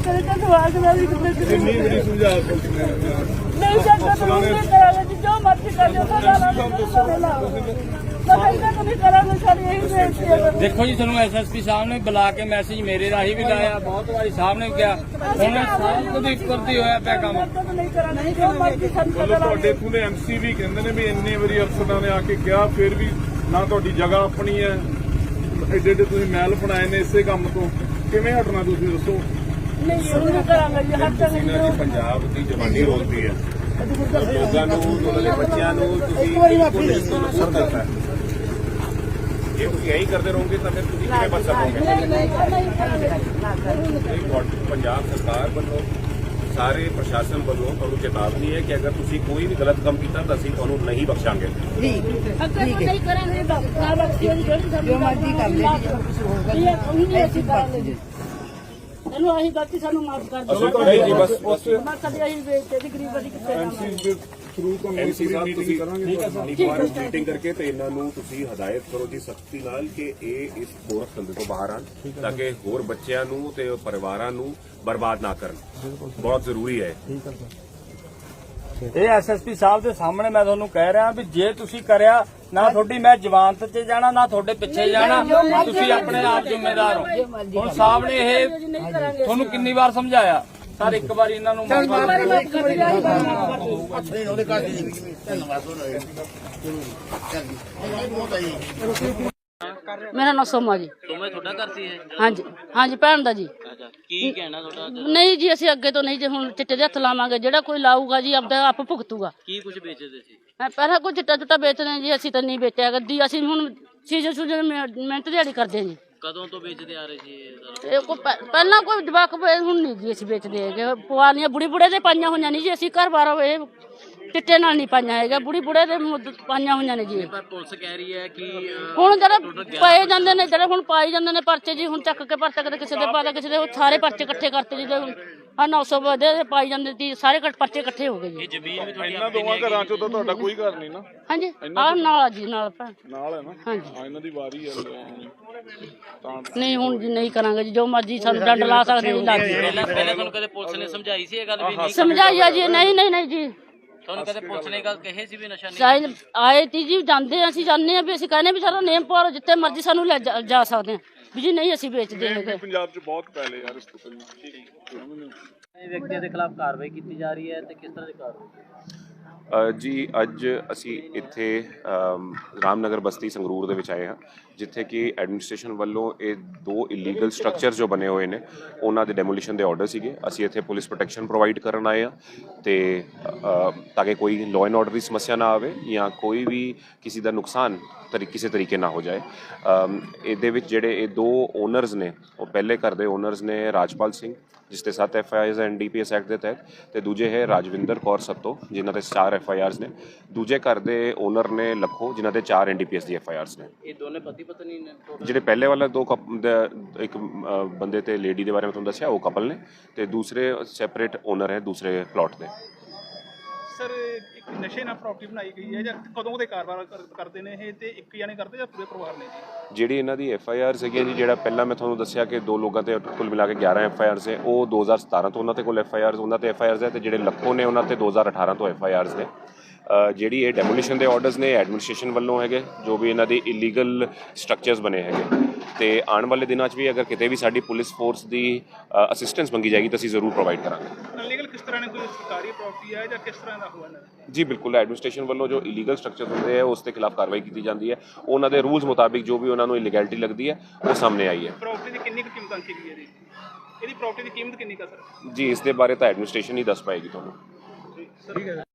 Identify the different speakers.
Speaker 1: तेरे का सवाल नहीं बड़ी समझा नहीं सकता तो नहीं करेगा जी जो मर्जी कर लो तो
Speaker 2: देखो जी ਤੁਹਾਨੂੰ ਐਸਐਸਪੀ ਸਾਹਿਬ ਨੇ ਬੁਲਾ ਕੇ ਮੈਸੇਜ ਮੇਰੇ ਰਾਹੀਂ ਵੀ ਲਾਇਆ ਬਹੁਤ ਵਾਰੀ ਸਾਹਿਬ ਨੇ ਕਿਹਾ ਹੁਣ ਸਾਲ ਤੋਂ ਇੱਕ ਕਰਦੀ ਹੋਇਆ ਪਿਆ ਕੰਮ
Speaker 1: ਤੁਹਾਡੇ
Speaker 3: ਪੂਰੇ ਐਮਸੀ ਵੀ ਕਹਿੰਦੇ ਨੇ ਵੀ ਇੰਨੇ ਵਾਰੀ ਅਫਸਰਾਂ ਨੇ ਆ ਕੇ ਕਿਹਾ ਫਿਰ ਵੀ ਨਾ ਤੁਹਾਡੀ ਜਗ੍ਹਾ ਆਪਣੀ ਹੈ ਐਡੇ ਐਡੇ ਤੁਸੀਂ ਮਹਿਲ ਬਣਾਏ ਨੇ ਇਸੇ ਕੰਮ ਤੋਂ ਕਿਵੇਂ ਹਟਣਾ ਤੁਸੀਂ ਦੱਸੋ
Speaker 1: ਨਹੀਂ ਸ਼ੁਰੂ ਕਰਾਂਗੇ ਜੀ ਹਰ ਜਗ੍ਹਾ
Speaker 3: ਪੰਜਾਬ ਦੀ ਜਵਾਨੀ ਰੋਲਦੀ ਹੈ ਲੋਕਾਂ ਨੂੰ ਉਹਨਾਂ ਦੇ ਬੱਚਿਆਂ ਨੂੰ ਤੁਸੀਂ ਨੁਕਸਾਨ ਕਰਤਾ ਹੈ ਜੇ ਤੁਸੀਂ ਇਹੀ ਕਰਦੇ ਰਹੋਗੇ ਤਾਂ ਫਿਰ ਤੁਸੀਂ ਕਿਵੇਂ ਬਚ ਸਕੋਗੇ ਪੰਜਾਬ ਸਰਕਾਰ ਵੱਲੋਂ ਸਾਰੇ ਪ੍ਰਸ਼ਾਸਨ ਵੱਲੋਂ ਤੁਹਾਨੂੰ ਚੇਤਾਵਨੀ ਹੈ ਕਿ ਅਗਰ ਤੁਸੀਂ ਕੋਈ ਵੀ ਗਲਤ ਕੰਮ ਕੀਤਾ ਤਾਂ ਅਸੀਂ ਤੁਹਾਨੂੰ ਨਹੀਂ ਬਖਸ਼ਾਂਗੇ
Speaker 1: ਜੀ ਨਹੀਂ ਕਰਾਂਗੇ ਬਾਬਾ ਜੋ ਮਰਜ਼ੀ ਕਰ ਲੈ ਜੀ ਉਹੀ ਅਸੀਂ ਕਰਾਂਗੇ ਜੀ ਚਲੋ ਅਸੀਂ ਗਲਤੀ ਸਾਨੂੰ ਮਾਫ ਕਰ ਦਿਓ
Speaker 3: ਨਹੀਂ ਜੀ ਬਸ
Speaker 1: ਮੈਂ ਕਦੇ ਅਸੀਂ ਵੇਚਦੇ ਦੀ ਗਰੀਬ ਦੀ ਕਿੱਥੇ
Speaker 3: ਐਮਸੀ ਦੇ ਥਰੂ ਤੋਂ ਐਮਸੀ ਸਾਹਿਬ ਤੁਸੀਂ ਕਰਾਂਗੇ ਮੀਟਿੰਗ ਕਰਕੇ ਤੇ ਇਹਨਾਂ ਨੂੰ ਤੁਸੀਂ ਹਦਾਇਤ ਕਰੋ ਜੀ ਸਖਤੀ ਨਾਲ ਕਿ ਇਹ ਇਸ ਗੋਰਖ ਧੰਦੇ ਤੋਂ ਬਾਹਰ ਆਣ ਤਾਂ ਕਿ ਹੋਰ ਬੱਚਿਆਂ ਨੂੰ ਤੇ ਪਰਿਵਾਰਾਂ ਨੂੰ ਬਰਬਾਦ ਨਾ ਕਰਨ ਬਹੁਤ ਜ਼ਰੂਰੀ ਹੈ
Speaker 2: ਇਹ ਐਸਐਸਪੀ ਸਾਹਿਬ ਦੇ ਸਾਹਮਣੇ ਮੈਂ ਤੁਹਾਨੂੰ ਕਹਿ ਰਿਹਾ ਵੀ ਜੇ ਤੁਸੀਂ ਕਰਿਆ ਨਾ ਤੁਹਾਡੀ ਮੈਂ ਜਵਾਨਤ 'ਚ ਜਾਣਾ ਨਾ ਤੁਹਾਡੇ ਪਿੱਛੇ ਜਾਣਾ ਤੁਸੀਂ ਆਪਣੇ ਆਪ ਜ਼ਿੰਮੇਦਾਰ ਹੋ ਹੁਣ ਸਾਹਿਬ ਨੇ ਇਹ ਤੁਹਾਨੂੰ ਕਿੰਨੀ ਵਾਰ ਸਮਝਾਇਆ ਸਰ ਇੱਕ ਵਾਰੀ ਇਹਨਾਂ ਨੂੰ
Speaker 1: मेरा नाम सोमा जी
Speaker 4: तुम्हें थोड़ा करती है
Speaker 1: हाँ जी हाँ जी भैन दा जी
Speaker 4: अच्छा की कहना थोड़ा
Speaker 1: नहीं जी ਅਸੀਂ ਅੱਗੇ ਤੋਂ ਨਹੀਂ ਜੇ ਹੁਣ ਚਿੱਟੇ ਦੇ ਹੱਥ ਲਾਵਾਂਗੇ ਜਿਹੜਾ ਕੋਈ ਲਾਊਗਾ ਜੀ ਆਪਦਾ ਆਪ ਭੁਗਤੂਗਾ
Speaker 4: की कुछ बेचते थे
Speaker 1: ਮੈਂ ਪਹਿਲਾਂ ਕੋਈ ਚਿੱਟਾ ਚੁੱਟਾ ਵੇਚਦੇ ਜੀ ਅਸੀਂ ਤਾਂ ਨਹੀਂ ਵੇਚਿਆ ਗੱਦੀ ਅਸੀਂ ਹੁਣ ਸੀਜ਼ਨ ਸੂਜਨ ਮਿਹਨਤ ਦਿਹਾੜੀ ਕਰਦੇ ਜੀ
Speaker 4: कदों तो बेचते आ रहे थे
Speaker 1: ਇਹ ਕੋਈ ਪਹਿਲਾਂ ਕੋਈ ਜਵਾਕ ਹੁਣ ਨਹੀਂ ਜੀ ਅਸੀਂ ਵੇਚਦੇ ਹੈਗੇ ਪੁਆਲੀਆਂ ਬੁੜੀ ਬੁੜੇ ਦੇ ਪਾਈਆਂ ਹੋਈਆਂ ਨਹੀਂ ਜੀ ਅਸੀਂ ਘਰ ਬਾਰ ਇਹ ਚਿੱਟੇ ਨਾਲ ਨਹੀਂ ਪਾਈਆਂ ਹੈਗਾ ਬੁੜੀ ਬੁੜੇ ਦੇ ਪਾਈਆਂ ਹੋਈਆਂ ਨੇ ਜੀ
Speaker 4: पर पुलिस कह रही है कि
Speaker 1: ਹੁਣ ਜਿਹੜੇ ਪਾਏ ਜਾਂਦੇ ਨੇ ਜਿਹੜੇ ਹੁਣ ਪਾਈ ਜਾਂਦੇ ਨੇ ਪਰਚੇ ਜੀ ਹੁਣ ਚੱਕ ਕੇ ਪਰਚਾ ਕਦੇ ਕਿਸੇ ਦੇ ਪਾਦਾ ਕਿਸੇ ਦੇ ਸਾਰੇ ਪਰਚੇ ਇਕੱਠੇ ਕਰਤੇ ਜੀ ਆ 900 ਵਧੇ ਪਾਈ ਜਾਂਦੇ ਸੀ ਸਾਰੇ ਪਰਚੇ ਇਕੱਠੇ ਹੋ ਗਏ ਜੀ
Speaker 4: ये जमीन भी थोड़ी
Speaker 3: ਇਹਨਾਂ ਦੋਵਾਂ ਘਰਾਂ ਚੋਂ ਤਾਂ ਤੁਹਾਡਾ ਕੋਈ ਘਰ ਨਹੀਂ ਨਾ
Speaker 1: ਹਾਂਜੀ ਆਹ ਨਾਲ ਆ ਜੀ ਨਾਲ ਭੈਣ
Speaker 3: ਨਾਲ ਹੈ ਨਾ
Speaker 1: ਹਾਂਜੀ
Speaker 3: ਹਾਂ ਇਹਨਾਂ ਦੀ ਵਾਰੀ ਹੈ ਤਾਂ
Speaker 1: ਨਹੀਂ ਹੁਣ ਜੀ ਨਹੀਂ ਕਰਾਂਗੇ ਜੀ ਜੋ ਮਰਜ਼ੀ ਸਾਨੂੰ ਡੰਡ ਲਾ ਸਕਦੇ ਜੀ ਲੱਗ
Speaker 4: पहले पहले तुम कदे पुलिस ने समझाई सी ये गल भी नहीं
Speaker 1: ਸਮਝਾਈਆ ਜੀ ਨਹੀਂ ਨਹੀਂ ਨਹੀਂ ਜੀ
Speaker 4: तुम कदे पुलिस ने गल कहे सी भी नशा नहीं
Speaker 1: ਸਾਈਨ ਆਏ ਤੀ ਜੀ ਜਾਂਦੇ ਅਸੀਂ ਜਾਂਦੇ ਆ ਵੀ ਅਸੀਂ ਕਹਿੰਦੇ ਵੀ ਸਾਡਾ ਨੇਮ ਪਾਓ ਜਿੱਥੇ ਮਰਜ਼ੀ ਸਾਨੂੰ ਲੈ ਜਾ ਸਕਦੇ ਆ ਵੀ ਜੀ ਨਹੀਂ ਅਸੀਂ ਵੇਚਦੇ ਹੈਗੇ
Speaker 3: ਪੰਜਾਬ 'ਚ ਬਹੁਤ ਪਹਿਲੇ ਯਾਰ ਇਸ ਤੋਂ ਪਹਿਲਾਂ
Speaker 4: व्यक्ति के खिलाफ कार्रवाई की जा रही है तो किस तरह की कार्रवाई
Speaker 5: ਜੀ ਅੱਜ ਅਸੀਂ ਇੱਥੇ ਰਾਮਨਗਰ ਬਸਤੀ ਸੰਗਰੂਰ ਦੇ ਵਿੱਚ ਆਏ ਹਾਂ ਜਿੱਥੇ ਕਿ ਐਡਮਿਨਿਸਟ੍ਰੇਸ਼ਨ ਵੱਲੋਂ ਇਹ ਦੋ ਇਲੀਗਲ ਸਟਰਕਚਰ ਜੋ ਬਣੇ ਹੋਏ ਨੇ ਉਹਨਾਂ ਦੇ ਡੈਮੋਲੀਸ਼ਨ ਦੇ ਆਰਡਰ ਸੀਗੇ ਅਸੀਂ ਇੱਥੇ ਪੁਲਿਸ ਪ੍ਰੋਟੈਕਸ਼ਨ ਪ੍ਰੋਵਾਈਡ ਕਰਨ ਆਏ ਹਾਂ ਤੇ ਤਾਂ ਕਿ ਕੋਈ ਲਾਅ ਐਂਡ ਆਰਡਰ ਦੀ ਸਮੱਸਿਆ ਨਾ ਆਵੇ ਜਾਂ ਕੋਈ ਵੀ ਕਿਸੇ ਦਾ ਨੁਕਸਾਨ ਕਿਸੇ ਤਰੀਕੇ ਨਾ ਹੋ ਜਾਏ ਇਹਦੇ ਵਿੱਚ ਜਿਹੜੇ ਇਹ ਦੋ ਓਨਰਸ ਨੇ ਉਹ ਪਹਿਲੇ ਘਰ ਦੇ ਓਨਰਸ ਨੇ ਰਾਜਪਾਲ ਸਿੰਘ ਜਿਸ ਤੇ 7 FIRs NDPS ਐਕਟ ਦੇ ਤਹਿਤ ਤੇ ਦੂਜੇ ਹੈ ਰਾਜਵਿੰਦਰ ਕੌਰ ਸੱਤੋ ਜਿਨ੍ਹਾਂ ਤੇ 4 FIRs ਨੇ ਦੂਜੇ ਘਰ ਦੇ ਓਨਰ ਨੇ ਲੱਖੋ ਜਿਨ੍ਹਾਂ ਤੇ 4 NDPS ਦੀ FIRs ਨੇ
Speaker 4: ये दोनों पति पत्नी ने
Speaker 5: ਜਿਹੜੇ ਪਹਿਲੇ ਵਾਲਾ ਇੱਕ ਬੰਦੇ ਤੇ ਲੇਡੀ ਦੇ ਬਾਰੇ ਮੈਂ ਤੁਹਾਨੂੰ ਦੱਸਿਆ ਉਹ ਕਪਲ ਨੇ ਤੇ ਦੂਸਰੇ ਸੈਪਰੇਟ ਓਨਰ ਹੈ ਦੂਸਰੇ ਪਲਾਟ ਦੇ
Speaker 6: ਸਰ ਇੱਕ ਨਸ਼ੇ ਨਾਲ ਪ੍ਰਾਪਰਟੀ ਬਣਾਈ ਗਈ ਹੈ ਜਾਂ ਕਦੋਂ ਦੇ ਕਾਰੋਬਾਰ ਕਰਦੇ ਨੇ ਇਹ ਤੇ ਇੱਕ ਜਾਣੇ ਕਰਦੇ ਜਾਂ ਪੂਰੇ ਪਰਿਵਾਰ ਨੇ ਜੀ
Speaker 5: ਜਿਹੜੀ ਇਹਨਾਂ ਦੀ FIRs ਹੈਗੀ ਜੀ ਜਿਹੜਾ ਪਹਿਲਾਂ ਮੈਂ ਤੁਹਾਨੂੰ ਦੱਸਿਆ ਕਿ ਦੋ ਲੋਕਾਂ ਤੇ ਕੁੱਲ ਮਿਲਾ ਕੇ 11 FIRs ਹੈ ਉਹ 2017 ਤੋਂ ਉਹਨਾਂ ਤੇ ਕੋਲ FIRs ਉਹਨਾਂ ਤੇ FIRs ਹੈ ਤੇ ਜਿਹੜੇ ਲੱਖੋ ਨੇ ਉਹਨਾਂ ਤੇ 2018 ਤੋਂ FIRs ਨੇ ਜਿਹੜੀ ਇਹ ਡੈਮੋਲੀਸ਼ਨ ਦੇ ਆਰਡਰਸ ਨੇ ਐਡਮਿਨਿਸਟ੍ਰੇਸ਼ਨ ਵੱਲੋਂ ਹੈਗੇ ਜੋ ਵੀ ਇਹਨਾਂ ਦੀ ਇਲੀਗਲ ਸਟਰਕਚਰਸ ਬਣੇ ਹੈਗੇ ਤੇ ਆਉਣ ਵਾਲੇ ਦਿਨਾਂ 'ਚ ਵੀ ਅਗਰ ਕਿਤੇ ਵੀ ਸਾਡੀ ਪੁਲਿਸ ਫੋਰਸ ਦੀ ਅਸਿਸਟੈਂਸ ਮੰਗੀ ਜਾਏਗੀ ਤਾਂ ਅਸੀਂ ਜ਼ਰੂਰ ਪ੍ਰੋਵਾਈਡ ਕਰਾਂਗੇ
Speaker 6: ਅਨਲੀਗਲ ਕਿਸ ਤਰ੍ਹਾਂ ਨੇ ਕੋਈ ਸਰਕਾਰੀ ਪ੍ਰਾਪਰਟੀ ਹੈ ਜਾਂ ਕਿਸ ਤਰ੍ਹਾਂ ਦਾ ਹੋਇਆ
Speaker 5: ਜੀ ਬਿਲਕੁਲ ਐਡਮਿਨਿਸਟ੍ਰੇਸ਼ਨ ਵੱਲੋਂ ਜੋ ਇਲੀਗਲ ਸਟਰਕਚਰ ਹੁੰਦੇ ਆ ਉਸ ਦੇ ਖਿਲਾਫ ਕਾਰਵਾਈ ਕੀਤੀ ਜਾਂਦੀ ਹੈ ਉਹਨਾਂ ਦੇ ਰੂਲਸ ਮੁਤਾਬਿਕ ਜੋ ਵੀ ਉਹਨਾਂ ਨੂੰ ਇਲੀਗੈਲਿਟੀ ਲੱਗਦੀ ਹੈ ਉਹ ਸਾਹਮਣੇ ਆਈ ਹੈ
Speaker 6: ਪ੍ਰਾਪਰਟੀ ਦੀ ਕਿੰਨੀ ਕੁ ਕੀਮਤ ਅੰਕੀ ਗਈ ਹੈ ਜੀ ਇਹਦੀ ਪ੍ਰਾਪਰਟੀ ਦੀ ਕੀਮਤ ਕਿੰਨੀ ਕੁ ਸਰ
Speaker 5: ਜੀ ਇਸ ਦੇ ਬਾਰੇ ਤਾਂ ਐਡਮਿਨਿਸਟ੍ਰੇਸ਼ਨ ਹੀ ਦੱਸ ਪਾਏਗੀ ਤੁਹਾਨੂੰ